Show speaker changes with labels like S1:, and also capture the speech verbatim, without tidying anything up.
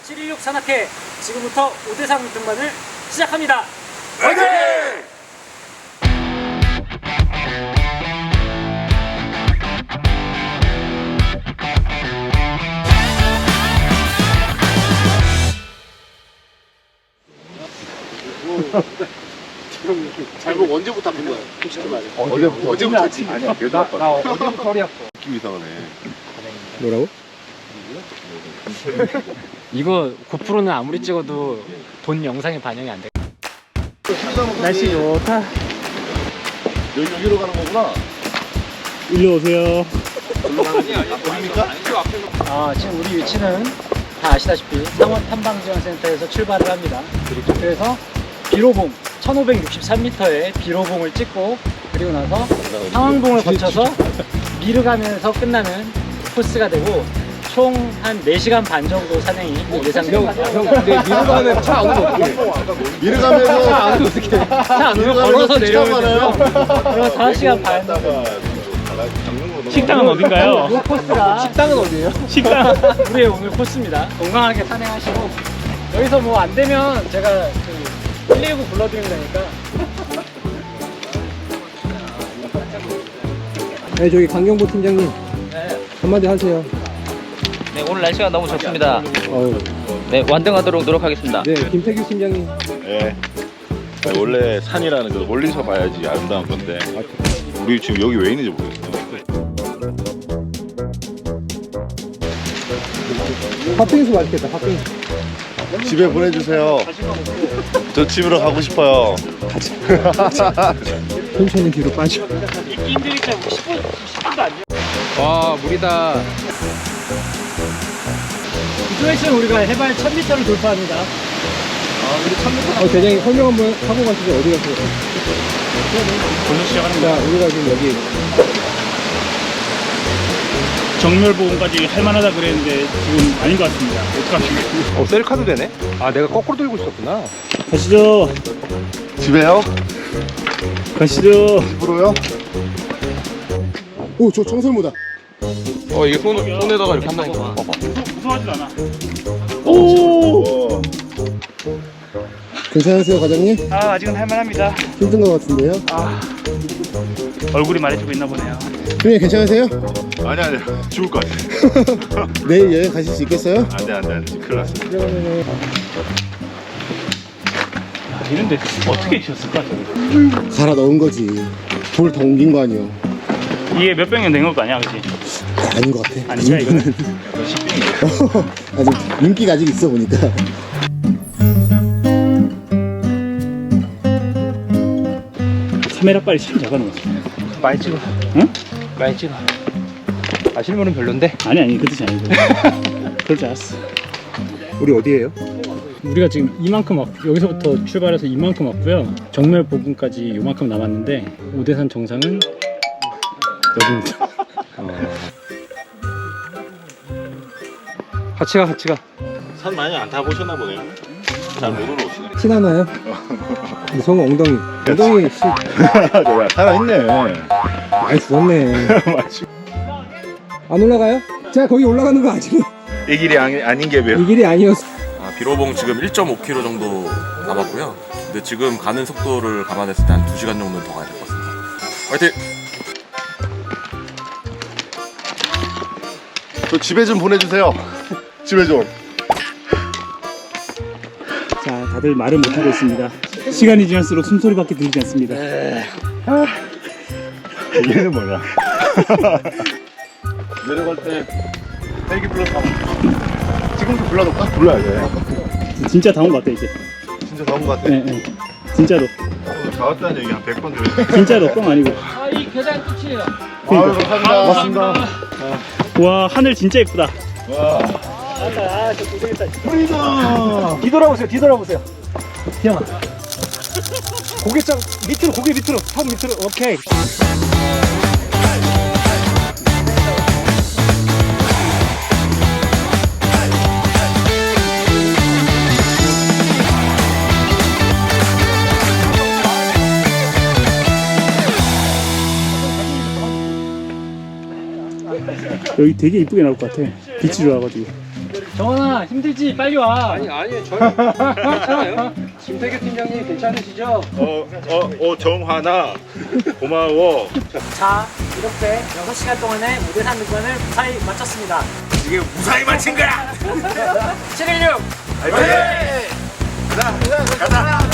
S1: 칠일육 산악회 지금부터 오대상 등반을 시작합니다.
S2: 화이팅!
S3: 잘못 언제부터 아픈 거야? 솔직히 말해.
S2: 어제부터
S3: 언제부터 아침?
S2: 아니야 그래도 아파.
S4: 나 어제부터 허리 아파.
S2: 느낌 이상하네.
S4: 뭐라고?
S1: 이거 고프로는 아무리 찍어도 본 영상에 반영이 안 돼. 날씨 좋다.
S2: 여기 여기로 가는 거구나.
S4: 일로 오세요.
S2: 여기로 가는 게 아니야? 어딥니까?
S1: 아, 지금 우리 위치는 다 아시다시피 상원 탐방지원센터에서 출발을 합니다. 그래서 비로봉 천오백육십삼 미터의 비로봉을 찍고 그리고 나서 상황봉을 거쳐서 미르 가면서 끝나는 코스가 되고 총 한 네 시간 반 정도 산행이 예상됩니다.
S4: 근데 미루 가면 차 안 오면 어떡해?
S2: 미르 가면서
S4: 차 안 오면 어떡해?
S1: 차 안 오면 걸어서 내려오면 돼요. 그럼 다섯 시간 반.
S5: 식당은 어딘가요?
S1: 요 코스가
S4: 식당은 어디예요?
S5: 식당.
S1: 우리의 오늘 코스입니다. 건강하게 산행하시고 여기서 뭐 안 되면 제가 그 일일구 불러드리면 되니까.
S4: 네, 저기 강경보 팀장님
S1: 네.
S4: 한마디 하세요.
S6: 네, 오늘 날씨가 너무 좋습니다.
S4: 어우,
S6: 네, 완등하도록 노력하겠습니다.
S4: 네, 김태규 팀장님.
S2: 예. 아니, 원래 산이라는 거 멀리서 봐야지 아름다운 건데 우리 지금 여기 왜 있는지 모르겠어.
S4: 팥빙수 맛있겠다. 팥빙수.
S2: 집에 보내주세요. 저 집으로 가고 싶어요.
S4: 천천히 뒤로 빠져.
S1: 힘드니까 십 분, 십 분도 안 돼.
S4: 와, 물이다.
S1: 이쪽에 있으면 우리가 해발 천 미터를 돌파합니다.
S4: 어, 대장님 설명 한번 하고 가시죠. 어디 가세요?
S5: 벌써 시작하는
S4: 자,
S5: 거야.
S4: 우리가 지금 여기
S5: 정멸보험까지 할만하다 그랬는데 지금 아닌 것 같습니다. 어떡합니까?
S4: 어, 셀카도 되네? 아, 내가 거꾸로 들고 있었구나.
S5: 가시죠.
S2: 집에요?
S5: 가시죠.
S2: 집으로요?
S4: 오, 저 청설모다.
S2: 어 이게 손, 손에다가 이렇게 한다니까. 봐봐.
S5: 무서워하지 않아.
S2: 오!
S4: 괜찮으세요, 과장님?
S5: 아, 아직은 할만합니다.
S4: 힘든 것 같은데요?
S5: 아, 얼굴이 말해주고 있나 보네요.
S4: 형님 괜찮으세요?
S2: 아니 아니 죽을 것 같아.
S4: 내일 여행 가실 수 있겠어요?
S2: 안돼 안돼 안돼 큰일 났어.
S5: 이런데 어떻게 튀었을까?
S4: 갈아 넣은 거지. 돌 더 옮긴 거 아니에요?
S5: 이게 몇 병이 된 거 아니야, 그치?
S4: 아닌 것 같아.
S5: 아니야, 이거는?
S4: 아직 윤기가 아직 있어 보니까.
S5: 카메라 빨리 참 잡아놓았어.
S4: 많이 찍어.
S5: 응?
S4: 많이 찍어. 아, 실물은 별론데?
S5: 아니, 아니, 그 뜻이 아니고. 그럴 줄 알았어.
S4: 우리 어디에요?
S1: 우리가 지금 이만큼 왔, 여기서부터 출발해서 이만큼 왔고요. 정멸 부근까지 요만큼 남았는데 오대산 정상은 여기입니다.
S4: 같이 가, 같이 가.
S2: 산 많이 안 타보셨나 보네요. 잘 못 올라오시네.
S4: 티 나나요? 성우 엉덩이. 엉덩이 씨.
S2: 야 살아있네.
S4: 많이 죽었네. 안 올라가요? 제가 거기 올라가는 거 아직
S2: 이 길이 아니, 아닌 게 왜요?
S4: 이 길이 아니었어.
S7: 아, 비로봉 지금 일 점 오 킬로미터 정도 남았고요. 근데 지금 가는 속도를 감안했을 때 한 두 시간 정도는 더 가야 될 것 같습니다. 화이팅!
S2: 저 집에 좀 보내주세요. 집에 좀.
S5: 자, 다들 말을 못하고 있습니다. 시간이 지날수록 숨소리밖에 들리지 않습니다.
S2: 얘는 뭐냐? 내려갈 때 헬기 불러서 지금도 불러놓을까? 불러야 돼.
S5: 진짜 다 온 것 같아, 이제.
S2: 진짜 나온 것 같아.
S5: 네, 네. 진짜로.
S2: 다 왔다는 얘기 한 백 번 들었어.
S5: 진짜로, 뻥 아니고.
S1: 아, 이 계단 끝이에요.
S2: 아유 감사합니다. 고맙습니다.
S5: 와, 하늘 진짜 예쁘다.
S2: 와.
S1: 아, 저 고생했다.
S2: 프리덤.
S1: 뒤돌아보세요, 뒤돌아보세요. 희영아. 고개장 밑으로, 고개 밑으로, 턱 밑으로. 오케이.
S5: 여기 되게 이쁘게 나올 것 같아. 빛이 좋아가지고.
S1: 정원아 힘들지? 빨리 와.
S3: 아니 아니 저는 괜찮아요. 김태규 팀장님 괜찮으시죠?
S2: 어, 어, 어, 정환아. 고마워.
S1: 자, 이렇게 여섯 시간 동안의 무대산 등반을 무사히 마쳤습니다.
S2: 이게 무사히 마친 거야.
S1: 칠일육!
S2: 가자, 가자.